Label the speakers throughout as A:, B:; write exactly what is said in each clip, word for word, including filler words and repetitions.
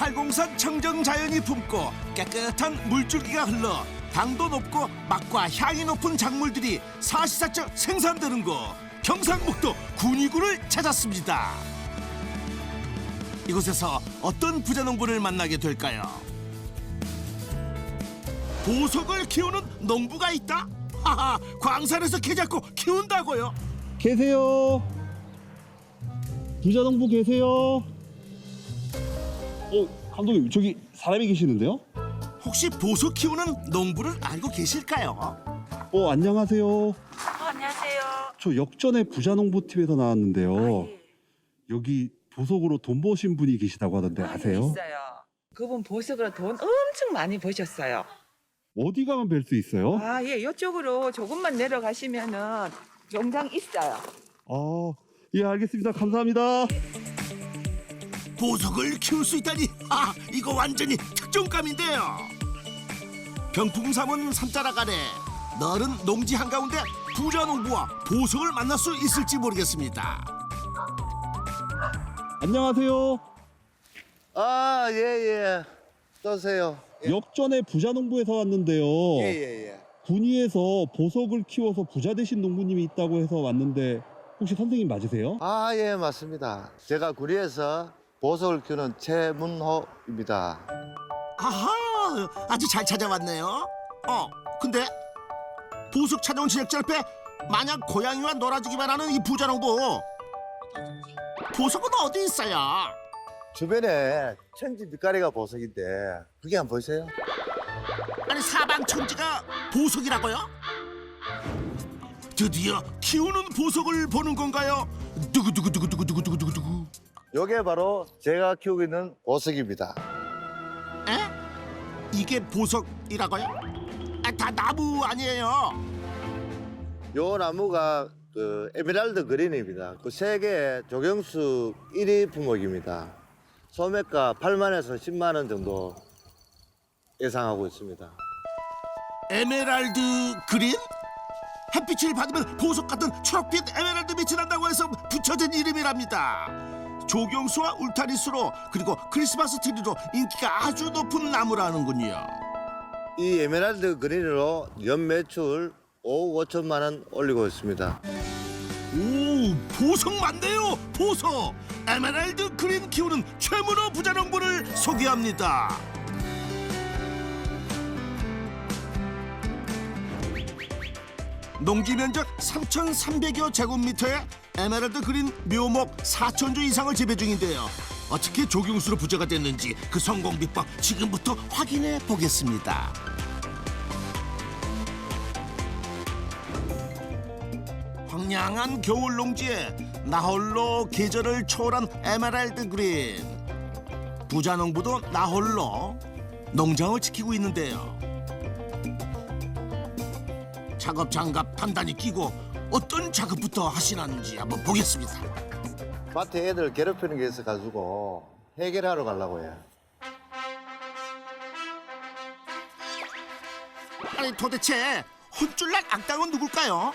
A: 팔공산 청정 자연이 품고 깨끗한 물줄기가 흘러 당도 높고 맛과 향이 높은 작물들이 사시사철 생산되는 곳 경상북도 군위군을 찾았습니다. 이곳에서 어떤 부자농부를 만나게 될까요? 보석을 키우는 농부가 있다? 하하, 광산에서 개 잡고 키운다고요?
B: 계세요. 부자농부 계세요. 어, 감독님 저기 사람이 계시는데요?
A: 혹시 보석 키우는 농부를 알고 계실까요?
B: 어, 안녕하세요.
C: 어, 안녕하세요.
B: 저 역전의 부자농부 팀에서 나왔는데요.
C: 아, 예.
B: 여기 보석으로 돈 버신 분이 계시다고 하던데
C: 아,
B: 아세요?
C: 있어요. 그분 보석으로 돈 엄청 많이 버셨어요.
B: 어디 가면 뵐 수 있어요?
C: 아, 예, 이쪽으로 조금만 내려가시면은 농장 있어요.
B: 아, 예, 알겠습니다. 감사합니다.
A: 보석을 키울 수 있다니, 아, 이거 완전히 특종감인데요. 병풍삼은 산자락 아래 너른 농지 한가운데 부자농부와 보석을 만날 수 있을지 모르겠습니다.
B: 안녕하세요.
D: 아, 예, 예. 떠세요.
B: 역전의 부자농부에서 왔는데요.
D: 예, 예, 예.
B: 군위에서 보석을 키워서 부자 되신 농부님이 있다고 해서 왔는데 혹시 선생님 맞으세요?
D: 아, 예, 맞습니다. 제가 구리에서 보석을 키우는 최문호입니다.
A: 아하, 아주 잘 찾아왔네요. 어, 근데 보석 찾아온 제작자 옆에 마냥 고양이와 놀아주기만 하는 이 부자농부, 보석은 어디 있어요?
D: 주변에 천지 빛깔이가 보석인데 그게 한번 보세요.
A: 아니, 사방 천지가 보석이라고요? 드디어 키우는 보석을 보는 건가요? 두구두구두구두구두구두구두구.
D: 요게 바로 제가 키우고 있는 보석입니다.
A: 에? 이게 보석이라고요? 아, 다 나무 아니에요?
D: 요 나무가 그 에메랄드 그린입니다. 그 세계 조경수 일 위 품목입니다. 소매가 팔만에서 십만 원 정도 예상하고 있습니다.
A: 에메랄드 그린? 햇빛을 받으면 보석 같은 초록빛 에메랄드 빛이 난다고 해서 붙여진 이름이랍니다. 조경수와 울타리수로 그리고 크리스마스 트리로 인기가 아주 높은 나무라는군요.
D: 이 에메랄드 그린으로 연 매출 오억 오천만 원 올리고 있습니다.
A: 오, 보석 맞네요, 보석. 에메랄드 그린 키우는 최문호 부자농부를 소개합니다. 농지 면적 삼천삼백여 제곱미터의 에메랄드 그린 묘목 사천 주 이상을 재배 중인데요. 어떻게 조경수로 부자가 됐는지 그 성공 비법 지금부터 확인해 보겠습니다. 황량한 겨울 농지에 나홀로 계절을 초월한 에메랄드 그린. 부자농부도 나홀로 농장을 지키고 있는데요. 작업 장갑 단단히 끼고 어떤 작업부터 하시는지 한번 보겠습니다.
D: 밭에 애들 괴롭히는 게 있어가지고 해결하러 가려고 해요.
A: 아니, 도대체 혼쭐난 악당은 누굴까요?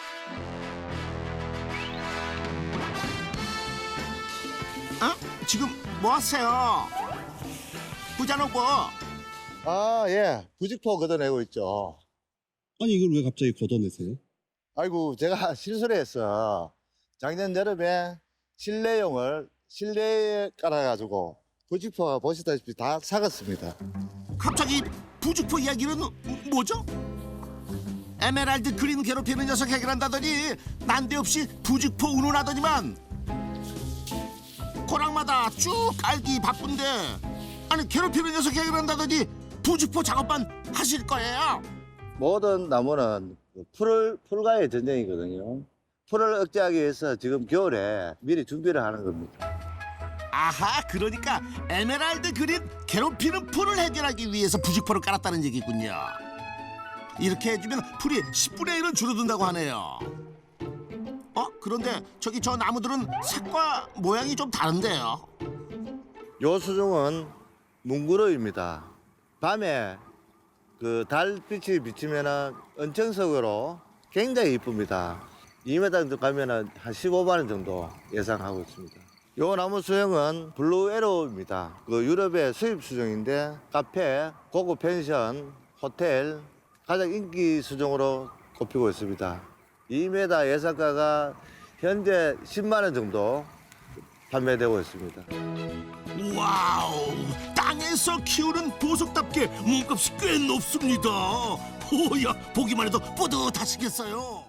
A: 어? 지금 뭐 하세요? 부자농부.
D: 아, 예. 부직포 걷어내고 있죠.
B: 아니 이걸 왜 갑자기 걷어내세요?
D: 아이고, 제가 실수를 했어. 작년 여름에 실내용을 실내에 깔아가지고 부직포가 보시다시피 다 사갔습니다.
A: 갑자기 부직포 이야기는 뭐죠? 에메랄드 그린 괴롭히는 녀석 해결한다더니 난데없이 부직포 운운하더니만 고랑마다 쭉 깔기 바쁜데, 아니 괴롭히는 녀석 해결한다더니 부직포 작업만 하실 거예요?
D: 모든 나무는 그 풀을, 풀과의 전쟁이거든요. 풀을 억제하기 위해서 지금 겨울에 미리 준비를 하는 겁니다.
A: 아하, 그러니까 에메랄드 그린 괴롭히는 풀을 해결하기 위해서 부직포를 깔았다는 얘기군요. 이렇게 해주면 풀이 십분의 일은 줄어든다고 하네요. 어? 그런데 저기 저 나무들은 색과 모양이 좀 다른데요.
D: 요 수종은 뭉그러입니다. 밤에 그 달빛이 비치면은 은청석으로 굉장히 이쁩니다. 이 미터 정도 가면은 한 십오만 원 정도 예상하고 있습니다. 요 나무 수종은 블루 에로우입니다. 그 유럽의 수입 수종인데 카페, 고급 펜션, 호텔 가장 인기 수종으로 꼽히고 있습니다. 이 미터 예상가가 현재 십만 원 정도 판매되고 있습니다.
A: 와우, 땅에서 키우는 보석답게 몸값이 꽤 높습니다. 오야, 보기만 해도 뿌듯하시겠어요.